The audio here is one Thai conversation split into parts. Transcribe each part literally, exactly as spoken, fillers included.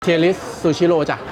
เทียริสซูชิโร่จ้ะ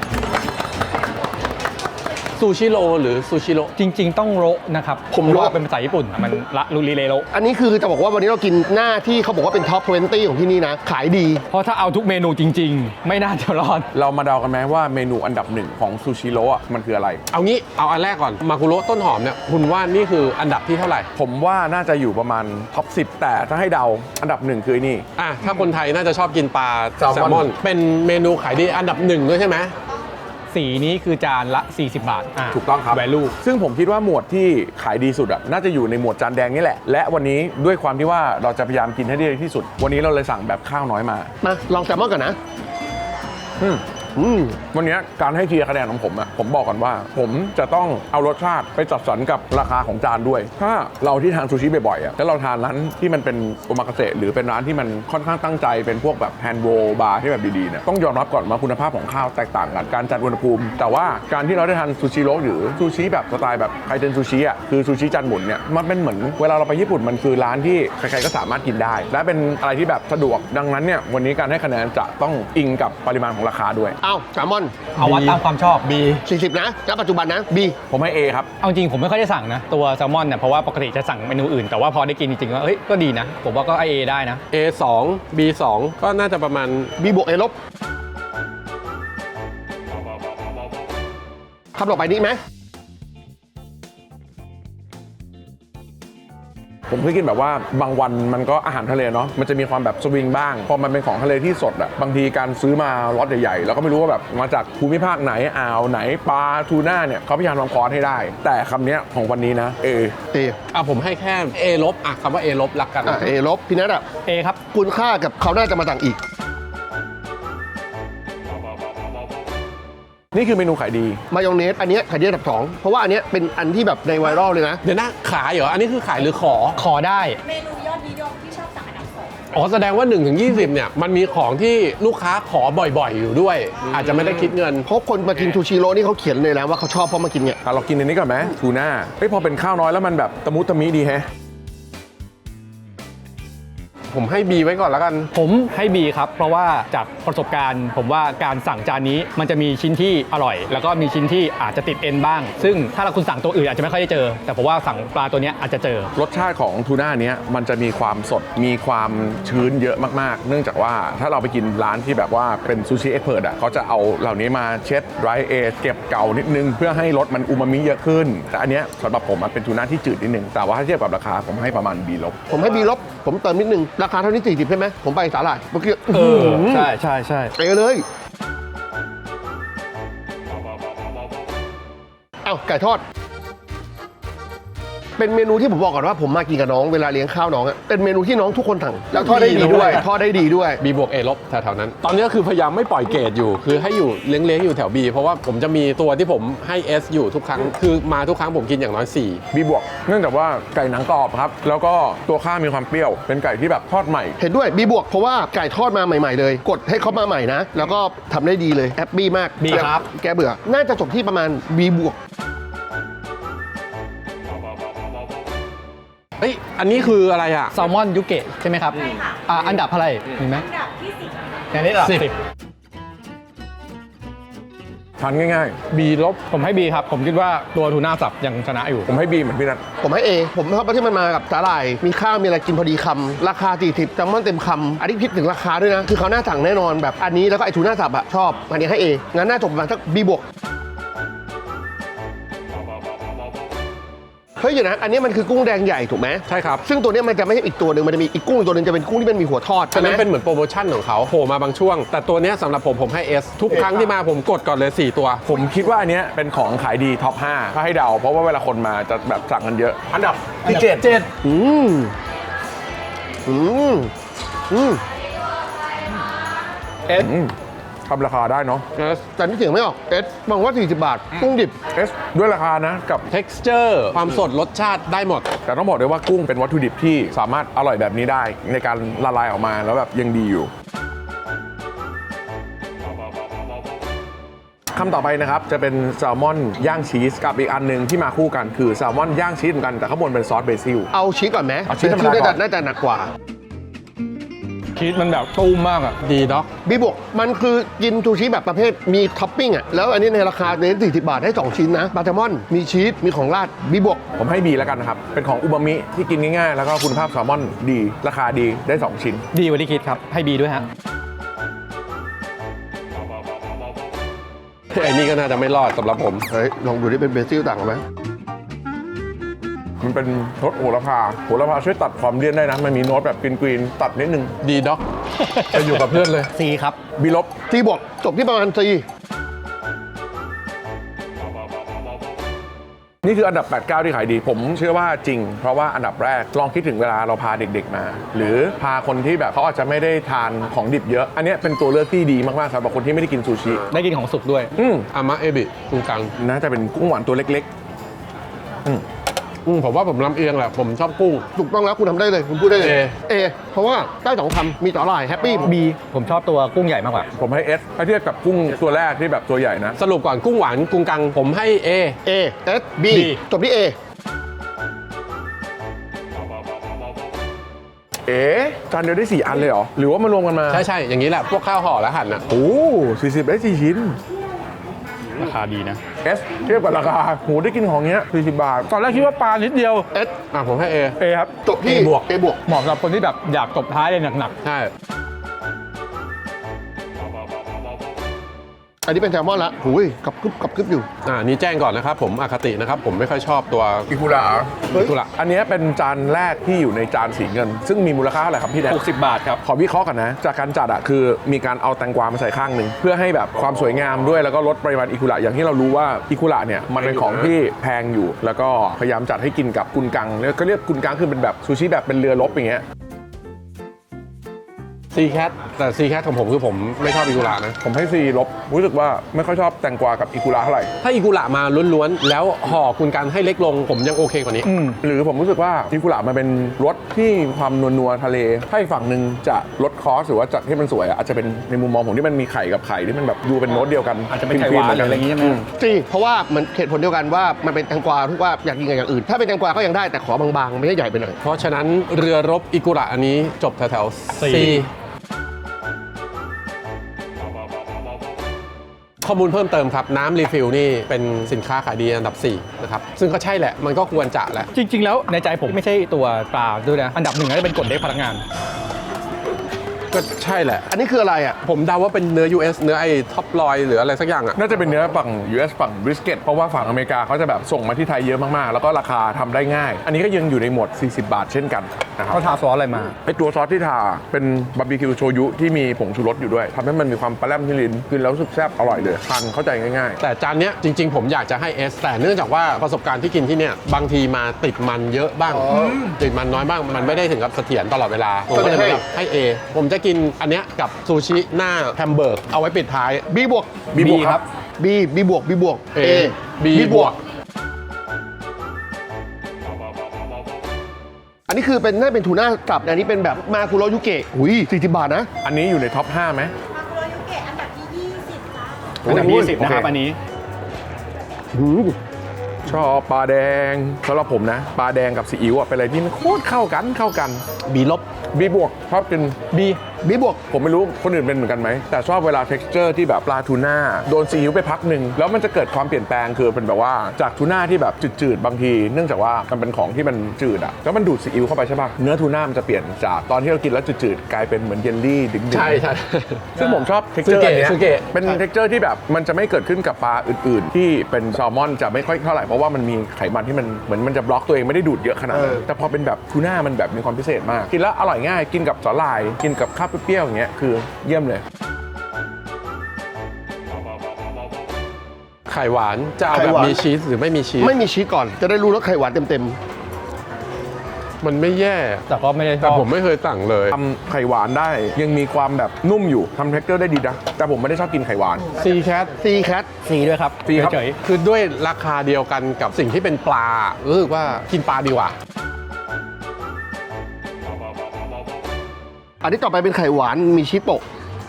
ซูชิโร่หรือซูชิโร่จริงๆต้องโรนะครับผมโรเป็นภาษาญี่ปุ่นมันละลูริเลโรอันนี้คือจะบอกว่าวันนี้เรากินหน้าที่เขาบอกว่าเป็นท็อปยี่สิบของที่นี่นะขายดีเพราะถ้าเอาทุกเมนูจริงๆไม่น่าจะรอดเรามาเดากันไหมว่าเมนูอันดับหนึ่งของซูชิโร่อะมันคืออะไรเอางี้เอาอันแรกก่อนมากุโระต้นหอมเนี่ยคุณว่านี่คืออันดับที่เท่าไหร่ผมว่าน่าจะอยู่ประมาณท็อปสิบแต่ถ้าให้เดาอันดับหนึ่งคือนี่อ่ะถ้าคนไทยน่าจะชอบกินปลาแซลมอนเป็นเมนูขายดีอันดับหนึ่งด้วยใช่ไหมสีนี้คือจานละสี่สิบบาทถูกต้องครับ value ซึ่งผมคิดว่าหมวดที่ขายดีสุดอ่ะน่าจะอยู่ในหมวดจานแดงนี่แหละและวันนี้ด้วยความที่ว่าเราจะพยายามกินให้ได้ที่สุดวันนี้เราเลยสั่งแบบข้าวน้อยมามาลองแซลมอนก่อนนะอืมอืมวันนี้การให้เทียร์คะแนนของผมอะผมบอกก่อนว่าผมจะต้องเอารสชาติไปจัดสรรกับราคาของจานด้วยถ้าเราที่ทานซูชิบ่อยๆอะแล้วเราทานร้านที่มันเป็นโอมากาเสะหรือเป็นร้านที่มันค่อนข้างตั้งใจเป็นพวกแบบแฮนด์โรลบาร์ที่แบบดีๆเนี่ยต้องยอมรับก่อนว่าคุณภาพของข้าวแตกต่างกันการจัดอุณหภูมิแต่ว่าการที่เราได้ทานซูชิโร่หรือซูชิแบบสไตล์แบบไคเทนซูชิอะคือซูชิจานหมุนเนี่ยมันเป็นเหมือนเวลาเราไปญี่ปุ่นมันคือร้านที่ใครๆก็สามารถกินได้และเป็นอะไรที่แบบสะดวกดังนั้นเนี่ยวันนี้การให้คะแนนจะต้องอิงกับปริมาณของราคาด้วยอ้าวแซลมอนเอาวัดตามความชอบ B สี่สิบนะณปัจจุบันนะ B ผมให้ A ครับเอาจริงผมไม่ค่อยได้สั่งนะตัวแซลมอนเนี่ยเพราะว่าปกติจะสั่งเมนูอื่นแต่ว่าพอได้กินจริงๆว่าเฮ้ยก็ดีนะผมว่าก็ A ได้นะเอ สอง บี สอง ก็น่าจะประมาณ B บวก A ลบคำต่อไปนี้ไหมผมเคยกินแบบว่าบางวันมันก็อาหารทะเลเนาะมันจะมีความแบบสวิงบ้างพอมันเป็นของทะเลที่สดอะบางทีการซื้อมาล็อตใหญ่ๆแล้วก็ไม่รู้ว่าแบบมาจากภูมิภาคไหนอ่าวไหนปลาทูน่าเนี่ยเขาพยายามทำคอร์สให้ได้แต่คำนี้ของวันนี้นะ A A อ่ะผมให้แค่ A ลบอ่ะคำว่า A ลบรักกันอ่ะ A ลบพี่นัทอ่ะ A ครับคุณค่ากับเขาน่าจะมาต่างอีกนี่คือเมนูขายดีมายองเนสอันนี้ขายดีอันดับสองเพราะว่าอันนี้เป็นอันที่แบบในไวรัลเลยนะเดี๋ยวนะขายเหรออันนี้คือขายหรือขอขอได้เมนูยอดนิยมที่ชอบสั่งอันดับสองอ๋อแสดงว่าหนึ่งถึงยี่สิบเนี่ยมันมีของที่ลูกค้าขอบ่อยๆอยู่ด้วยอาจจะไม่ได้คิดเงินเพราะคนมากินซูชิโร่นี่เขาเขียนเลยนะว่าเขาชอบเพราะมากินเนี่ยเรากินอันนี้ก่อนไหมทูน่าเฮ้ยพอเป็นข้าวน้อยแล้วมันแบบตะมุตะมิดีแฮะผมให้ B ไว้ก่อนแล้วกันผมให้ B ครับเพราะว่าจากประสบการณ์ผมว่าการสั่งจานนี้มันจะมีชิ้นที่อร่อยแล้วก็มีชิ้นที่อาจจะติดเอ็นบ้างซึ่งถ้าเราคุณสั่งตัวอื่นอาจจะไม่ค่อยได้เจอแต่ผมว่าสั่งปลาตัวนี้อาจจะเจอรสชาติของทูน่าเนี้ยมันจะมีความสดมีความชื้นเยอะมากๆเนื่องจากว่าถ้าเราไปกินร้านที่แบบว่าเป็นซูชิเอ็กซ์เพิร์ทอ่ะเขาจะเอาเหล่านี้มาเช็ดไรเอทเก็บเก่านิดนึงเพื่อให้รสมันอูมามิเยอะขึ้นแต่อันเนี้ยสำหรับผมมันเป็นทูน่าที่จืดนิดนึงแต่ว่าถ้าเทียบกับราคาผมให้ประมาณ B ลบผมให้ B ลบผมเติมนิดนึงราคาเท่านี้สี่สิบใช่ไหมผมไปสาหร่ายเมื่อกี้เออใช่ใช่ใช่ไปเลยเอ้าไก่ทอดเป็นเมนูที่ผมบอกก่อนว่าผมมากินกับน้องเวลาเลี้ยงข้าวน้องเป็นเมนูที่น้องทุกคนสั่งแล้วทอดได้ดีด้วยทอดได้ดีด้วย B บวก A ลบแถวๆนั้นตอนนี้ก็คือพยายามไม่ปล่อยเกรดอยู่คือให้อยู่เลี้ยงๆอยู่แถว B เพราะว่าผมจะมีตัวที่ผมให้ S อยู่ทุกครั้งคือมาทุกครั้งผมกินอย่างน้อยสี่ B บวกเนื่องจากว่าไก่หนังกรอบครับแล้วก็ตัวข้าวมีความเปรี้ยวเป็นไก่ที่แบบทอดใหม่เห็นด้วย B บวกเพราะว่าไก่ทอดมาใหม่ๆเลยกดให้เขามาใหม่นะแล้วก็ทำได้ดีเลยแฮปปี้มาก B ครับแกเบื่อน่าจะจบที่ประมาณ B บวกเฮ้ยอันนี้คืออะไรอะแซลมอนยูเกะใช่ไหมครับใช่ค่ะอ่าอันดับอะไรมีไหมอันดับที่สิบอันนี้อันดับสิบทานง่ายๆ B ลบผมให้ B ครับผมคิดว่าตัวทูน่าสับยังชนะอยู่ผมให้ B เหมือนพี่นัทผมให้ A ผมชอบที่มันมากับสาหร่ายมีข้าวมีอะไรกินพอดีคำราคาสี่สิบแซลมอนเต็มคำอันนี้คิดถึงราคาด้วยนะคือเขาหน้าสั่งแน่นอนแบบอันนี้แล้วก็ไอทูน่าสับอะชอบอันนี้ให้ A งั้นน่าจบประมาณสัก B บวกเฮ้ยอยู่นะอันนี้มันคือกุ้งแดงใหญ่ถูกไหมใช่ครับซึ่งตัวนี้มันจะไม่ใช่อีกตัวหนึ่งมันจะมีอีกกุ้งตัวหนึ่งจะเป็นกุ้งที่มันมีหัวทอดใช่ไหมเป็นเหมือนโปรโมชั่นของเขาโผล่มาบางช่วงแต่ตัวนี้สำหรับผมผมให้ S ทุกครั้งที่มาผมกดก่อนเลยสี่ตัวผมคิดว่าอันนี้เป็นของขายดีท็อปห้าถ้าให้เดาเพราะว่าเวลาคนมาจะแบบสั่งกันเยอะอันดับที่เจ็ดเจ็ดอืมอืมอืม S ทำราคาได้เนาะ S แต่นี่เสียงไม่ออก S มองว่าสี่สิบบาทกุ้งดิบ S ด้วยราคานะกับ texture ความสดรสชาติได้หมดแต่ต้องบอกเลยว่ากุ้งเป็นวัตถุดิบที่สามารถอร่อยแบบนี้ได้ในการละลายออกมาแล้วแบบยังดีอยู่คำต่อไปนะครับจะเป็นแซลมอนย่างชีสกับอีกอันหนึ่งที่มาคู่กันคือแซลมอนย่างชีสเหมือนกันแต่ข้างบนเป็นซอสเบซิลเอาชีสก่อนไหมเอาชีสธรรมดาก่อนน่าจะหนักกว่าชีสมันแบบตุ้มมากอ่ะดีด็อกบีบวกมันคือกินซูชิแบบประเภทมีท็อปปิ้งอ่ะแล้วอันนี้ในราคาเน้นสี่สิบบาทได้สองชิ้นนะปลาแซลมอนมีชีสมีของราดบีบวกผมให้บีแล้วกันนะครับ เป็นของอูมามิที่กินง่ายๆ แล้วก็คุณภาพแซลมอนดี ราคาดีได้สองชิ้นดีกว่าที่คิดครับ ให้บีด้วยฮะไอ้นี่ก็น่าจะไม่รอดสำหรับผมเฮ้ยลองดูที่เป็นเบซิลต่างกันไหมมันเป็นรสโหระพาโหระพาช่วยตัดความเลี่ยนได้นะ มันมีโน้ตแบบกรีนๆตัดนิดนึงดีด็อกจะอยู่กับเพื่อนเลยซีครับบีลบซีบวกจบที่ประมาณซีนี่คืออันดับ แปด เก้า ที่ขายดี ผมเชื่อว่าจริง เพราะว่าอันดับแรกลองคิดถึงเวลาเราพาเด็กๆมา หรือพาคนที่แบบเขาอาจจะไม่ได้ทานของดิบเยอะ อันเนี้ยเป็นตัวเลือกที่ดีมากๆสำหรับคนที่ไม่ได้กินซูชิได้กินของสุกด้วยอืมอามะเอบิตรงกลางน่าจะเป็นกุ้งหวานตัวเล็กๆอืมอืมผมว่าผมลำเอียงแหละ ผมชอบกุ้งถูกต้องแล้วคุณทำได้เลยคุณพูดได้เลยเอเอเพราะว่าได้สองคำมีต่อลายแฮปปี้บี ผมชอบตัวกุ้งใหญ่มากกว่าผมให้ S ถ้าเทียบกับกุ้งตัวแรกที่แบบตัวใหญ่นะสรุปก่อนกุ้งหวานกุ้งกลางผมให้ A เอเอสบี B จบที่เอเอ๊ะจานเดียวได้สี่อันเลยเหรอ หรือว่ามันรวมกันมาใช่ใช่อย่างนี้แหละ พวกข้าวห่อและหั่นอ่ะโอ้สี่สิบได้สี่ชิ้นราคาดีนะ S เทียบกับราคาโหได้กินของเงี้ยสี่สิบบาทตอนแรกคิดว่าปลานิดเดียวเอสอ่ะผมให้ A เอครับจบที่ A บวกเอบวกเหมาะสำหรับคนที่แบบอยากตบท้ายเลยหนักใช่อันนี้เป็นแซลมอนละหุยกับกึบกับกึบอยู่อ่านี่แจ้งก่อนนะครับ ผมอคตินะครับ ผมไม่ค่อยชอบตัวอิคุระเฮ้ยกุระอันเนี้ยเป็นจานแรกที่อยู่ในจานสีเงิน ซึ่งมีมูลค่าเท่าไหร่ครับพี่แดนๆหกสิบบาทครับขอวิเคราะห์กันนะ จากการจัดอะคือมีการเอาแตงกวามาใส่ข้างหนึ่งเพื่อให้แบบความสวยงามด้วยแล้วก็ลดปริมาณอิคุระอย่างที่เรารู้ว่าอิคุระเนี่ยมันเป็นของที่แพงอยู่ แล้วก็พยายามจัดให้กินกับกุนกังแล้วก็เรียกกุนกังคือเป็นแบบซูชิแบบเป็นเรือรบอย่างเงี้ยซีแคทแต่ซีแคทของผมคือผมไม่ชอบอิกุระนะผมให้ซีลบรู้สึกว่าไม่ค่อยชอบแตงกวากับอิคุระเท่าไหร่ถ้าอิกุระมาล้วนๆ แล้วห่อคุณกันให้เล็กลง ผมยังโอเคกว่านี้อืมหรือผมรู้สึกว่าอิคุระมันเป็นรสที่มีความนัวๆทะเลถ้าอีกฝั่งหนึ่งจะลดคอสหรือว่าจัดให้มันสวยอะอาจจะเป็นในมุมมองผมที่มันมีไข่กับไข่ที่มันแบบดูเป็นโน้ตเดียวกันอาจจะเป็นไข่หวานหรืออะไรอย่างงี้ใช่ไหมซีเพราะว่ามันเหตุผลเดียวกันว่ามันเป็นแตงกวาทุกว่าอยากกินกับอย่างอื่น ถ้าเป็นแตงกวาก็ยังได้แต่ขอบางๆไม่ใช่ใหญ่ไปหน่อยเพราะฉะนั้นเรือรบอิกุระอันนี้จบแถวๆ C C ข้อมูลเพิ่มเติมครับ น้ำรีฟิลนี่เป็นสินค้าขายดีอันดับสี่นะครับ ซึ่งก็ใช่แหละ มันก็ควรจะแหละจริง ๆ แล้วในใจผมไม่ใช่ตัวปลาด้วยนะ อันดับหนึ่งน่าจะเป็นกดเด็กพนักงานก็ใช่แหละอันนี้คืออะไรอ่ะผมเดาว่าเป็นเนื้อ ยู เอส เนื้อไอ้ท็อปลอยหรืออะไรสักอย่างอ่ะน่าจะเป็นเนื้อฝั่ง ยู เอส ฝั่งบริสเกตเพราะว่าฝั่งอเมริกาเขาจะแบบส่งมาที่ไทยเยอะมากๆ แล้วก็ราคาทำได้ง่าย อันนี้ก็ยังอยู่ในหมวดสี่สิบบาทเช่นกันนะครับเขาทาซอสอะไรมาไอตัวซอสที่ทาเป็นบาร์บีคิวโชยุที่มีผงชูรสอยู่ด้วยทำให้มันมีความปลาแรมที่ลิ้นกินแล้วรู้สึกแซ่บอร่อยเลยทานเข้าใจง่ายแต่จานเนี้ยจริง ๆ ผมอยากจะให้ S แต่เนื่องจากว่าประสบการณ์ที่กินที่เนี่ยบางทีมาติดมันเยอะบ้าง ติดมันน้อยบ้าง มันไม่ได้ถึงกับเสถียรตลอดเวลา ผมก็เลยแบบให้ A ผมจะกินอันเนี้ยกับซูชิหน้าแฮมเบอร์กเอาไว้ปิดท้าย B บวกๆ บีบวกครับ B B บวก B บวก A B บวกอันนี้คือเป็นน่าเป็นทูน่าสับอันนี้เป็นแบบมาคุโรยุเกะอุ้ยสี่สิบบาทนะอันนี้อยู่ในท็อปห้าไหมมาคุโรยุเกะอันดับที่ยี่สิบจ้าอันดับโอ้ยยี่สิบนะครับโอเคอันนี้หืมชอบปลาแดงสำหรับผมนะปลาแดงกับซีอิ๊วอะเป็นอะไรที่มันโคตรเข้ากันเข้ากัน B ลบบีบวกชอบกิน B B บวกผมไม่รู้คนอื่นเป็นเหมือนกันไหม แต่ชอบเวลา texture ที่แบบปลาทูน่าโดนซีอิ๊วไปพักหนึ่งแล้วมันจะเกิดความเปลี่ยนแปลงคือเป็นแบบว่าจากทูน่าที่แบบจืดๆบางที เนื่องจากว่ามันเป็นของที่มันจืดอะแล้วมันดูดซีอิ๊วเข้าไปใช่ป่ะเนื้อทูน่ามันจะเปลี่ยนจากตอนที่เรากินแล้วจืดๆกลายเป็นเหมือนเยลลี่ดึงๆใช่ใช่ซึ่งผมชอบ texture ซูเกะอันเนี้ยซูเกะเป็น texture ที่แบบมันจะไม่เกิดขึ้นกับปลาอื่นๆ ที่เป็นแซลมอนจะไม่ค่อยเท่าไหร่เพราะว่ามันมีไขมันที่มันเหมือนมันจะบล็อกตัวเองไม่ได้ดูดเยอะขนาดนั้นเออแต่พอเป็นแบบทูน่ามันแบบมีความพิเศษมากกินแล้วอร่อยง่ายกินกับสาหร่ายกินกับข้าวเปรี้ยวๆอย่างเงี้ยคือเยี่ยมเลยไข่หวานจะเอาแบบมีชีสหรือไม่มีชีสไม่มีชีสก่อน จะได้รู้รสไข่หวานเต็มมันไม่แย่แต่ก็ไม่ได้ชแต่อบผมไม่เคยสั่งเลยทำไข่หวานได้ยังมีความแบบนุ่มอยู่ทำ texture ได้ดีนะแต่ผมไม่ได้ชอบกินไข่หวาน C cat ๆ C cat C ด้วยครับ C ครับเฉยคือด้วยราคาเดียวกันกับสิ่งที่เป็นปลารู้สึกว่ากินปลาดีกว่าอันนี้ต่อไปเป็นไข่หวานมีชีสโปะ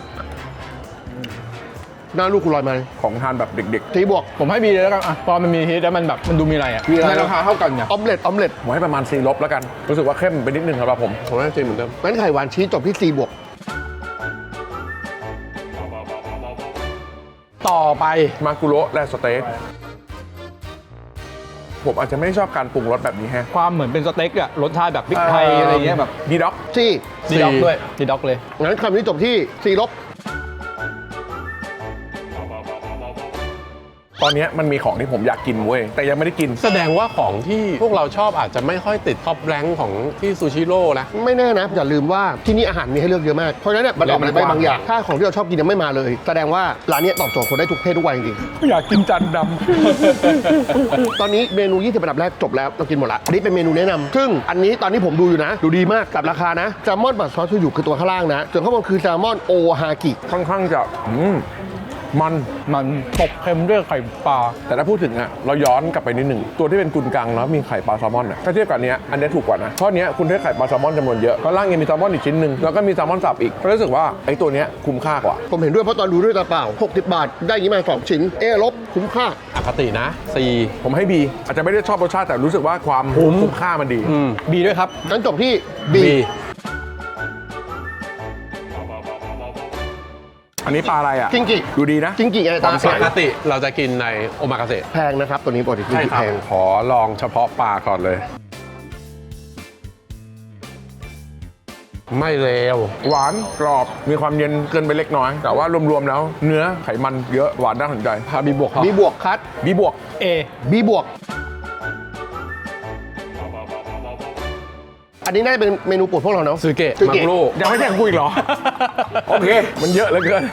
หน้าลูกคุณลอยมาของทานแบบเด็กสีบวกๆผมให้ B เลยแล้วกันอ่ะพอมันมีฮีทแล้วมันแบบมันดูมีอะไรอ่ะมีอะไรในราคาเท่ากันเนี่ยออมเล็ตออมเล็ตๆผมให้ประมาณ C ลบแล้วกันรู้สึกว่าเข้มไปนิดนึงสำหรับผมผมว่าจริงเหมือนเดิมงั้นไข่หวานชีสจบที่ C บวกต่อไปมากุโระและสเต็กผมอาจจะไม่ชอบการปรุงรสแบบนี้แฮะความเหมือนเป็นสเต็กอะรสชาติแบบพริกไทยอะไรเงี้ยแบบดีด็อกซี่ดีด็อกด้วยดีด็อกเลยงั้นคำนี้จบที่สี่ลบตอนเนี้ยมันมีของที่ผมอยากกินเว้ยแต่ยังไม่ได้กินแสดงว่าของที่พวกเราชอบอาจจะไม่ค่อยติดท็อปแรงค์ของที่ซูชิโร่นะไม่แน่นะ อย่าลืมว่าที่นี่อาหารมีให้เลือกเยอะมาก เพราะฉะนั้นเนี่ยมันออกมาได้บางอย่าง ถ้าของที่เราชอบกินยังไม่มาเลย แสดงว่าร้านเนี้ยตอบโจทย์คนได้ทุกเพศทุกวัยจริงอยากกินจานดๆ ตอนนี้เมนูยี่สิบอันดับแรกจบแล้วเรากินหมดละอันนี้เป็นเมนูแนะนำซึ่งอันนี้ตอนนี้ผมดูอยู่นะ ดูดีมากกับราคานะแซลมอนบัตซอสชูอยู่คือตัวข้างล่างนะส่วนข้างบนคือแซลมอนโอฮากิำค่อนข้างจะอืมมันมันตบเค็มด้วยไข่ปลาแต่ถ้าพูดถึงอะเราย้อนกลับไปนิดหนึ่งตัวที่เป็นกุนกังแล้วมีไข่ปลาแซลมอนอะถ้าเทียบกับอันเนี้ยอันเนี้ยถูกกว่านะเพราะอันเนี้ยคุณได้ไข่ปลาแซลมอนจำนวนเยอะข้างล่างยังมีแซลมอนอีกชิ้นหนึ่งแล้วก็มีแซลมอนสับอีกก็รู้สึกว่าไอ้ตัวเนี้ยคุ้มค่ากว่าผมเห็นด้วยเพราะตอนดูด้วยตาเปล่าหกสิบบาทได้อย่างนี้มาสองชิ้นเอลบคุ้มค่าอคตินะ C ผมให้ B อาจจะไม่ได้ชอบรสชาติแต่รู้สึกว่าความคุ้มคุ้มค่ามันดีอืมบีด้วยครับงั้นจบที่ B B อันนี้ปลาอะไรอะจิงกิดูดีนะจิงกิไงตาความใสปกติเราจะกินในโอมากาเสะแพงนะครับตัวนี้ปกติจิงใช่กิครับแพงขอลองเฉพาะปลาก่อนเลย ไม่เลวหวานกรอบมีความเย็นเกินไปเล็กน้อย แต่ว่ารวมๆแล้วเนื้อไขมันเยอะหวานน่าสนใจพาบีบวกเขา B บวกคัดบีบวกเอ B บวก อันนี้น่าจะเป็นเมนูโปรดพวกเราเนาะซูเกะซูมัเกะงลูยังไม่แข่งกูอีกเหรอ โอเค มันเยอะเหลือเกิน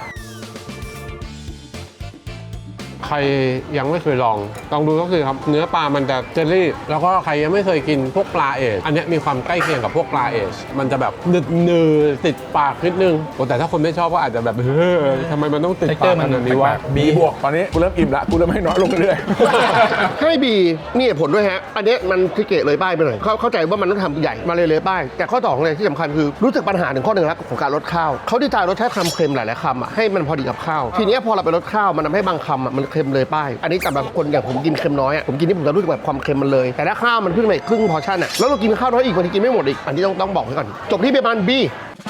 ใครยังไม่เคยลองลองดูก็คือครับเนื้อปลามันจะเจลลี่ แล้วก็ใครยังไม่เคยกินพวกปลาเอชอันเนี้ยมีความใกล้เคียงกับพวกปลาเอชมันจะแบบหนึบหนืดติดปากนิดนึงโอ้แต่ถ้าคนไม่ชอบก็อาจจะแบบเฮ้ยทำไมมันต้องติดปากขนาดนี้วะบีบวก ตอนนี้กูเริ่มอิ่มละกูเริ่มให้น้อยลงเรื่อยให้บีนี่เหตุผลด้วยฮะ อันเนี้ยมันทิเกตเลยป้ายไปหน่อยเข้าเข้าใจว่ามันต้องทำใหญ่มาเลยเลยป้าย แต่ข้อต่อของเลยที่สำคัญคือรู้สึกปัญหาหนึ่งข้อหนึ่งแล้วของการลดข้าวเขาดีไซน์รสชาติคำเค็มหลายๆคำอ่ะให้มันพอดีกับข้าว ทีเนี้ยพอเราไปลดข้าวมันทำให้บางคำอ่ะมันเค็มเลยป้าย อันนี้สำหรับคนอย่างผมกินเค็มน้อยอ่ะผมกินนี่ผมจะรู้สึกแบบความเค็มมันเลย แต่ถ้าข้าวมันเพิ่งไปครึ่งพอร์ชั่นอ่ะแล้วเรากินข้าวน้อยอีกบางทีกินไม่หมดอีกอันนี้ต้องต้องบอกไว้ก่อนจบที่ประมาณ B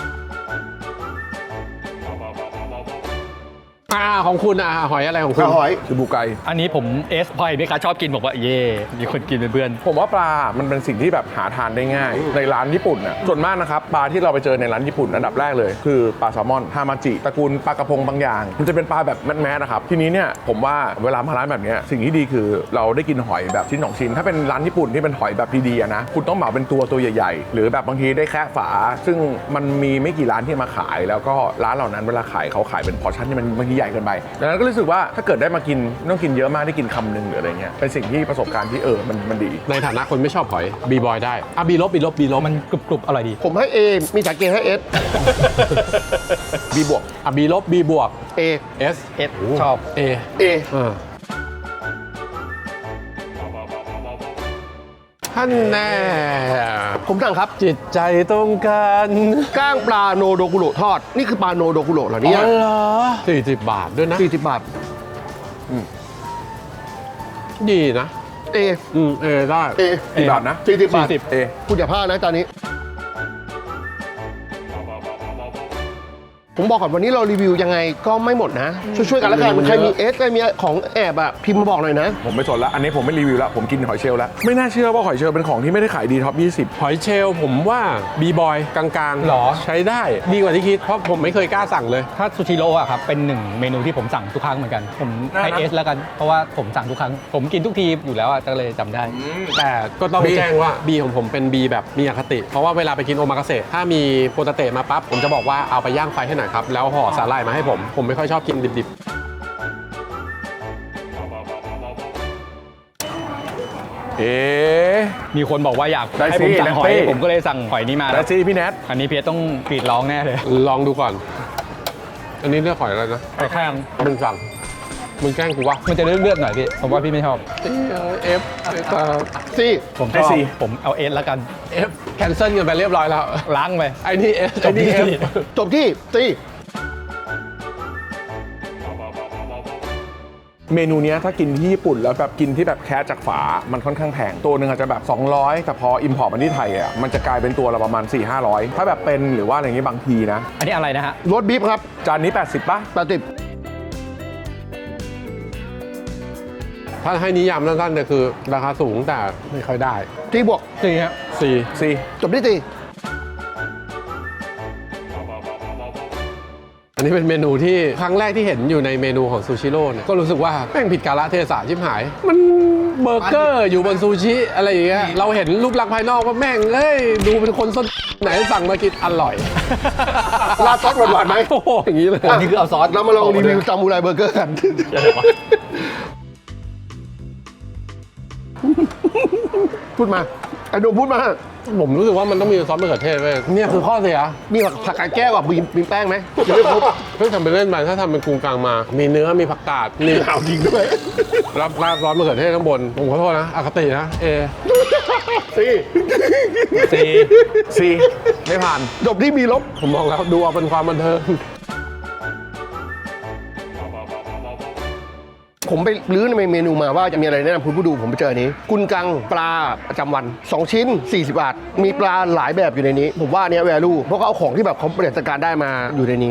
อ่าของคุณอ่ะหอยอะไรของคุณหอยๆคือบูไกอันนี้ผมเอสพอยไหมคะชอบกินบอกว่าเย่มีคนกินเป็นเพื่อนผมว่าปลา มันเป็นสิ่งที่แบบหาทานได้ง่าย ในร้านญี่ปุ่นน่ะส่วนมากนะครับ ปลาที่เราไปเจอในร้านญี่ปุ่นอันดับแรกเลย คือปลาแซลมอน ฮามาจิ ตระกูลปลากระพงบางอย่าง มันจะเป็นปลาแบบแมสๆนะครับ ทีนี้เนี่ยผมว่าเวลามาร้านแบบเนี้ยสิ่งที่ดีคือเราได้กินหอยแบบชิ้นสองชิ้น ถ้าเป็นร้านญี่ปุ่นที่เป็นหอยแบบดีๆอะนะ คุณต้องเหมาเป็นตัวตัวใหญ่ๆ หรือแบบบางทีได้แค่ฝา ซึ่งมันมีไม่กี่ร้านที่มาขาย แล้วก็ร้านเหล่านั้นเวลาขายเขาขายเป็นพอร์ชั่นที่มันบางทีใหญ่เกินไปดังนั้นก็รู้สึกว่าถ้าเกิดได้มากินไม่ต้องกินเยอะมากได้กินคำหนึ่งหรืออะไรเงี้ยเป็นสิ่งที่ประสบการณ์ที่เออมันมันดีในฐานะคนไม่ชอบหอยบีบอยได้อ่ะบีลบบีลบบีลบมันกรุบกรุบอร่อยดีผมให้ A มีสาเกให้ S บีบวกอ่ะบีลบบีบวก A S เอสชอบ A A อ่าท่านแน่ผมสั่งครับจิตใจตรงกันก้างปลาโนโดกุโรทอด นี่คือปลาโนโดกุโรเหรอเนี่อ๋ยอเหรอสี่สิบบาทด้วยนะสี่สิบบาทดีนะ A อืมเออได้ A กี่บาทนะสี่สิบบาทสี่สิบเอคุณอย่าพลาดนะจานนี้ ผมบอกก่อนวันนี้เรารีวิวยังไงก็ไม่หมดนะ ช่วยๆกันแล้วกันใครมีเอสใครมีของแอบอะพิมพ์มาบอกหน่อยนะผมไม่สนละอันนี้ผมไม่รีวิวละผมกินหอยเชลล์แล้วไม่น่าเชื่อว่าหอยเชลล์เป็นของที่ไม่ได้ขายดีท็อปยี่สิบหอยเชลล์ผมว่าบีบอยกลางๆหรอใช้ได้ดีกว่าที่คิด เพราะผมไม่เคยกล้าสั่งเลยถ้าซูชิโร่อะครับเป็นหนึ่งเมนูที่ผมสั่งทุกครั้งเหมือนกัน ผมให้เอสแล้วกันเพราะว่าผมสั่งทุกครั้ง ผมกินทุกทีอยู่แล้วอะก็เลยจำได้แต่ก็ต้อง B แจ้งว่า B ของผมเป็น B แบบมีอคติ เพราะว่าเวลาไปกินโอมากาเสะถ้ามีโปเตเตะมาปั๊บ ผมจะบอกว่าเอาไปย่างไฟให้หน่อยครับ แล้วห่อสาหร่ายมาให้ผม ผมไม่ค่อยชอบกินดิบเอ๊ะมีคนบอกว่าอยากได้ให้สิผมสั่งหอยแนตตี้ผมก็เลยสั่งหอยนี้มาได้สิพี่แนทอันนี้เพียรต้องกรีดร้องแน่เลยๆ ลองดูก่อน อันนี้เลือกหอยอะไรนะหอยแครงมึงสั่งมึงแกล้งกูวะมันจะเลือดๆหน่อยพี่ผมว่าพี่ไม่ชอบเอฟซีผมชให้อบสี่ผมเอาเอสแล้วกันเอฟแคนเซิลกันไปเรียบร้อยแล้วล้างไปไอ้นี่เอฟจไอ้บนี่ที่เอฟจบที่ซีเมนูเนี้ยถ้ากินที่ญี่ปุ่นแล้วแบบกินที่แบบแค่จากฝา มันค่อนข้างแพง ตัวหนึ่งอาจจะแบบ สองร้อย แต่พออิมพอร์ตมาที่ไทยอ่ะ มันจะกลายเป็นตัวละประมาณ สี่ห้าร้อย ถ้าแบบเป็นหรือว่าอะไรอย่างงี้บางทีนะอันนี้อะไรนะฮะรสบีฟครับจานนี้ แปดสิบป่ะแปดสิบถ้าให้นิยามสั้นๆเนี่ยคือราคาสูงแต่ไม่ค่อยได้ที่บวกสี่ฮะสี่ซีจบที่ตีอันนี้เป็นเมนูที่ครั้งแรกที่เห็นอยู่ในเมนูของซูชิโร่เนี่ยก็รู้สึกว่าแม่งผิดกาลเทศะชิบหาย มันเบอร์เกอร์อยู่บนซูชิอะไรอย่างเงี้ยเราเห็นรูปลักษณ์ภายนอกว่าแม่งเอ้ยดูเป็นคนส้นไหนสั่งมากินอร่อยราดซอสหวานๆไหมโอ้โหอย่างนี้เลยอันนี้คือเอาซอสเรามาลองรีวิวซามูไรเบอร์เกอร์กัน พูดมาไอ้หนุ่มพูดมาผมรู้สึกว่ามันต้องมีซอสมะเขือเทศเว้ยเนี่ยคือข้อเสียมีผักผักกาดแก้วกับมีมีแป้งไหมยังไม่ครบเพิ่งทำไปเล่นไปถ้าทำเป็นกรุงกลางมา มีเนื้อมีผักกาดมีเอาจริงด้วยรับราดซอสมะเขือเทศข้างบนผมขอโทษนะอคตินะเอสิสี่ซีไม่ผ่านจบที่มีลบผมมองแล้วดูเอาเป็นความบันเทิงผมไปรื้อในเมนูมาว่าจะมีอะไรแนะนำคุณผู้ดูผมไปเจออันนี้ กุนกังปลาประจำวัน สอง ชิ้น สี่สิบบาท มีปลาหลายแบบอยู่ในนี้ ผมว่าอันเนี้แวลูเพราะเขาเอาของที่แบบเขาบริหารจัดการได้มาอยู่ในนี้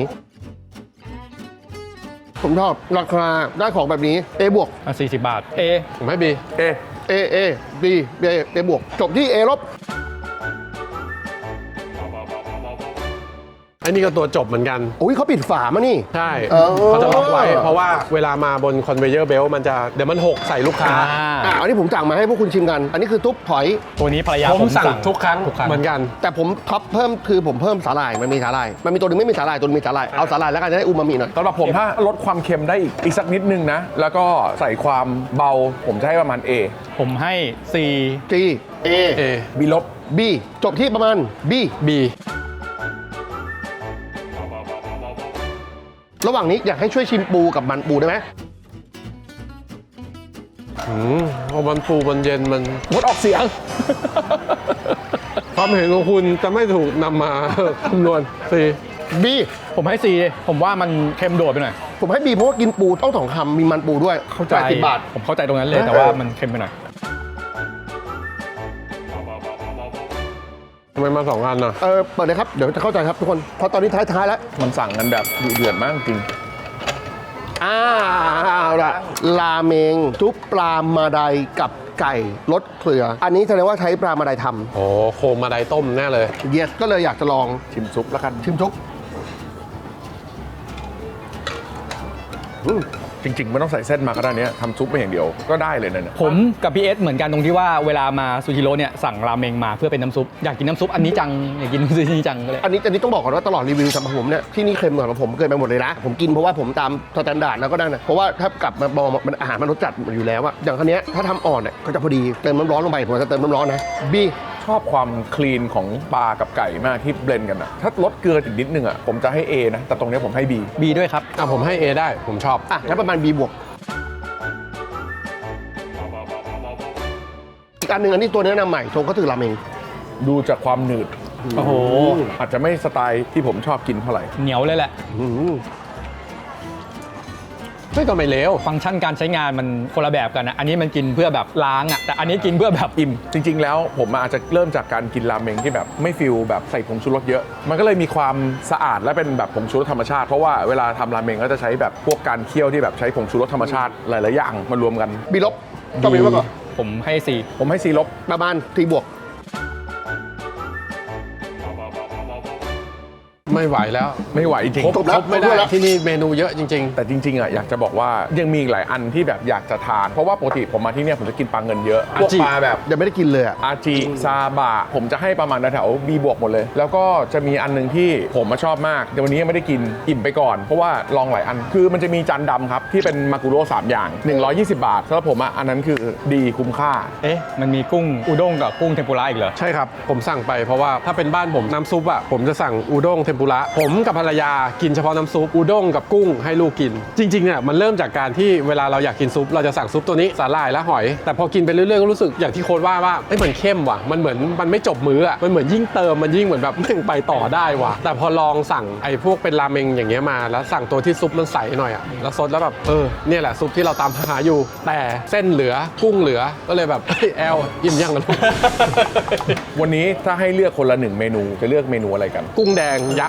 ผมชอบราคาได้ของแบบนี้ A บวกอ่ะสี่สิบบาท เอผมให้บีเอ A A B B A บวก จบที่ A ลบไอ้นี่ก็ตัวจบเหมือนกันอุ้ยเขาปิดฝามานี่ใช่เออเขาจะล็อกไว้ เพราะว่าเวลามาบนคอนเวเยอร์เบลมันจะเดี๋ยวมันหกใส่ลูกค้าอ่ะอันนี้ผมสั่งมาให้พวกคุณชิมกัน อันนี้คือทุบถอยตัวนี้ภรรยาผผม มสั่งสั่งทุกครั้งทุกครั้งเหมือนกันแต่ผมท็อปเพิ่มคือผมเพิ่มสาหร่ายมันมีสาหร่ายมันมีตัวหนึงไม่มีสาหร่ายตัวหนึงมีสาหร่ายเอาสาหร่ายแล้วกันจะได้อูมามิหน่อยสำหรับผมถ้าลดความเค็มได้อีกอีกสักนิดนึงนะ แล้วก็ใส่ความเบาผมจะให้ประมาณ A ผมให้สี่ G A เอ B ลบ B จบที่ประมาณ B บีระหว่างนี้อยากให้ช่วยชิมปูกับมันปูได้ไหมอืมพอมันฟูมันเย็นมันงดออกเสียงความเห็นของคุณจะไม่ถูกนำมา คำนวณสี่ B ผมให้สี่ผมว่ามันเค็มโดดไปหน่อยผมให้ B เพราะว่ากินปูต้องสองคำมีมันปูด้วยเข้าใจแปดสิบบาทผมเข้าใจตรงนั้นเลยแต่ว่ามันเค็มไปหน่อยทำไมมาสองอันน่ะเออเปิดเลยครับเดี๋ยวจะเข้าใจครับทุกคนเพราะตอนนี้ท้ายๆแล้วมันสั่งกันแบบดุเดือดมากจริงอ้าวละราเมงซุปปลามาไดกับไก่รสเกลือ อันนี้แสดงว่าใช้ปลามาไดทโอ้โคมมาไดต้มแน่เลยำเยสก็เลยอยากจะลองชิมซุปแล้วกันชิมซุปจริงๆไม่ต้องใส่เส้นมาก็ได้เนี้ยทำซุปมาอย่างเดียวก็ได้เลยนะเนี่ยผมกับพี่เอสเหมือนกันตรงที่ว่าเวลามาซูชิโร่เนี่ยสั่งราเมงมาเพื่อเป็นน้ำซุปอยากกินน้ำซุปอันนี้จังอยากกินซูชิจังก็เลยอันนี้อันนี้ต้องบอกก่อนว่าตลอดรีวิวสำหรับผมเนี่ยที่นี่เค็มกว่าผมเกินไปหมดเลยนะ ผมกินเพราะว่าผมตามสแตนดาร์ดแล้วก็ได้นะเพราะว่าถ้ากลับมามองมันอาหารมันรสจัดอยู่แล้วอะอย่างคันนี้ยถ้าทำอ่อนเนี่ยก็จะพอดีเติมน้ำร้อนลงไปผมจะเติมน้ำร้อนนะบีชอบความคลีนของปลากับไก่มากที่เบลนด์กันอะถ้าลดเกลืออีกนิดนึงอะผมจะให้ A นะแต่ตรงเนี้ยผมให้ B บีด้วยครับอ่ะผมให้ A ได้ผมชอบอ่ะงั้นประมาณ B บวกอีกอันหนึ่งอันนี้ตัวแนะนำใหม่ทงก็คือราเมงดูจากความหนืดโอ้โหอาจจะไม่สไตล์ที่ผมชอบกินเท่าไหร่เหนียวเลยแหละอืมไม่ก็ไม่เลวฟังก์ชันการใช้งานมันคนละแบบกันนะ อันนี้มันกินเพื่อแบบล้างอ่ะ แต่อันนี้กินเพื่อแบบอิ่มจริง ๆ แล้วผมอาจจะเริ่มจากการกินราเมงที่แบบไม่ฟิลแบบใส่ผงชูรสเยอะ มันก็เลยมีความสะอาดและเป็นแบบผงชูรสธรรมชาติเพราะว่าเวลาทำราเมงก็จะใช้แบบพวกการเคี่ยวที่แบบใช้ผงชูรสธรรมชาติหลาย ๆ อย่างมารวมกันบีลบต้องบีลบก่อนผมให้สี่ผมให้ C ลบประมาณทีบวกไม่ไหวแล้วไม่ไหวจริงครบจบแล้วครบไม่ครบแล้ได้วที่นี่เมนูเยอะจริงแต่จริงๆอ่ะอยากจะบอกว่ายังมีอีกหลายอันที่แบบอยากจะทาน เพราะว่าปกติผมมาที่เนี่ยผมจะกินปลาเงินเยอะพวกอาจิปลาแบบยังไม่ได้กินเลยอะอาจิซาบะผมจะให้ประมาณแถว B บวกหมดเลย แล้วก็จะมีอันหนึงที่ผมมาชอบมากแต่วันนี้ยังไม่ได้กินอิ่มไปก่อนเพราะว่าลองหลายอันคือมันจะมีจานดำครับที่เป็นมากุโร่สามอย่างหนึ่งร้อยยี่สิบบาทสำหรับผมอ่ะอันนั้นคือดีคุ้มค่าเอ๊ะ มันมีกุ้งอุด้งกับกุ้งเทมปุระอีกเหรอๆ ใช่ครับ ผมสั่งไปเพราะว่าถ้าเป็นบ้านผมน้ำซุปอ่ะผมจะสั่งอูด้งเทมปุระผมกับภรรยากินเฉพาะน้ำซุปอูด้งกับกุ้งให้ลูกกิน จริงๆเนี่ยมันเริ่มจากการที่เวลาเราอยากกินซุปเราจะสั่งซุปตัวนี้สาหร่ายและหอย แต่พอกินไปเรื่อยๆก็รู้สึกอย่างที่โค้ดว่าว่าเอ้ยมันเข้มว่ะมันเหมือนมันไม่จบมื้ออ่ะมันเหมือนยิ่งเติมมันยิ่งเหมือนแบบแม่งไปต่อได้ว่ะแต่พอลองสั่งไอ้พวกเป็นราเมงอย่างเงี้ยมาแล้วสั่งตัวที่ซุปมันใสหน่อยอ่ะแล้วซดแล้วแบบเออเนี่ยแหละซุปที่เราตามหาอยู่แต่เส้นเหลือกุ้งเหลือก็เลยแบบเฮ้ยแอลอิ่มยังกันลูกวันนี้ถ้าให้เลือกคนละหนึ่งเมนูจะเลือกเมนูอะไรกันกุ้งแดงยักษ์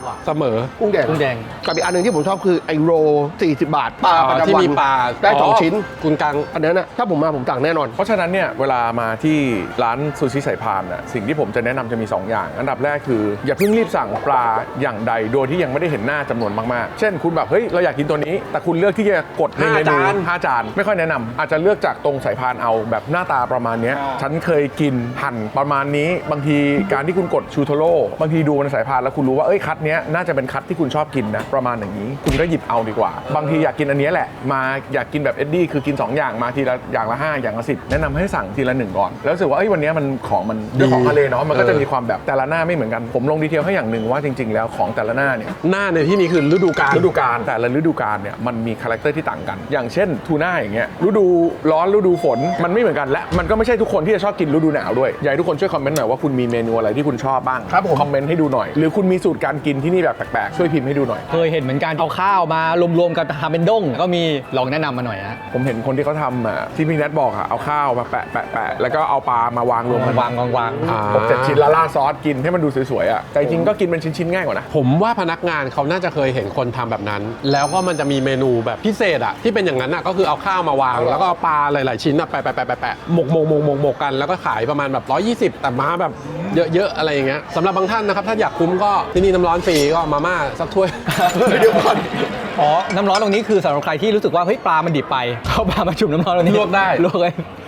กว่าเสมอกุ้งแดงกุ้งแดงกับอีกอันหนึ่งที่ผมชอบคือไอโรสี่สิบบาทปลาประจำวันที่มีปลาได้สองชิ้นคุณกังอันนั้นนะถ้าผมมาผมสั่งแน่นอนเพราะฉะนั้นเนี่ยเวลามาที่ร้านซูชิสายพานน่ะสิ่งที่ผมจะแนะนำจะมี สอง อย่าง อันดับแรกคืออย่าเพิ่งรีบสั่งปลาอย่างใดโดยที่ยังไม่ได้เห็นหน้าจำนวนมากๆ เช่นคุณแบบเฮ้ยเราอยากกินตัวนี้ แต่คุณเลือกที่จะกดในเมนูห้าจานห้าจานไม่ค่อยแนะนำอาจจะเลือกจากตรงสายพานเอาแบบหน้าตาประมาณเนี้ยฉันเคยกินหั่นประมาณนี้บางทีการที่คุณกดชูโทโร่บางทีดูในสายพานแล้วคุณรู้ว่าเอ้ยคัดเนี้ยน่าจะเป็นคัดที่คุณชอบกินนะประมาณอย่างนี้คุณก็หยิบเอาดีกว่า บางทีอยากกินอันเนี้ยแหละมาอยากกินแบบเอ็ดดี้คือกินสองอย่างมาทีละอย่างละห้าอย่างละสิบแนะนำให้สั่งทีละหนึ่งก่อนแล้วรู้สึกว่าเอ้ยวันเนี้ยมันของมันด้วยของทะเลเนาะมันก็จะมีความแบบแต่ละหน้าไม่เหมือนกันผมลงดีเทลให้อย่างหนึ่งว่าจริง ๆ แล้วของแต่ละหน้าเนี่ยหน้าในที่นี้คือฤดูกาลฤดูกาลแต่ละฤดูกาลเนี่ยมันมีคาแรคเตอร์ที่ต่างกัน อย่างเช่นทูน่าอย่างเงี้ยฤดูร้อนฤดูฝนมันไม่เหมือนกันและมันก็ไม่ใช่ทุกคนที่จะชอบกินฤดูหนาวด้วยอยากให้ทุกคนช่วยคอมเมนต์หน่อยว่าคุณมีเมนูอะไรที่คุณชอบบ้างครับผมคอมเมนต์ให้ดูหน่อยหรือคุณมีสูตรการกินที่นี่แบบแปลกๆช่วยพิมพ์ให้ดูหน่อยเคยเห็นเหมือนกันเอาข้าวมารวมๆกันทำเป็นด้งก็มีลองแนะนำมาหน่อยฮะผมเห็นคนที่เขาทำอ่ะที่พี่แนทบอกอ่ะเอาข้าวมาแปะแปะแปะแล้วก็เอาปลามาวางรวมกันวางวางวางอ่าหกเจ็ดชิ้นแล้วราดซอสกินให้มันดูสวยๆอ่ะแต่จริงๆก็กินเป็นชิ้นๆง่ายกว่านะผมว่าพนักงานเขาน่าจะเคยเห็นคนทำแบบนั้น แล้วก็มันจะมีเมนูแบบพิเศษอะที่เป็นอย่างนั้นอะก็คือเอาข้าวมาวาง แล้วก็เอาปลาหลายๆชิ้นอะแปะแปะแปะแปะแปะหมกหมกหมกหมกหมกกันแล้วก็ขายประมาณแบบร้อยยี่สิบแต่มาแบบเยอะๆอะไรอย่างเงี้ยสำหรับบางท่านนะครับถ้าอยากคุ้มก็ที่นี่น้ำร้อนฟรีก็มาม่าสักถ้วย เดี๋ยวก่อนอ๋อ น้ำร้อนตรงนี้คือสำหรับใครที่รู้สึกว่าเฮ้ยปลามันดิบไป เข้าปลามาจุ่มน้ำร้อนตรงนี้ลวกได้ลวกเลย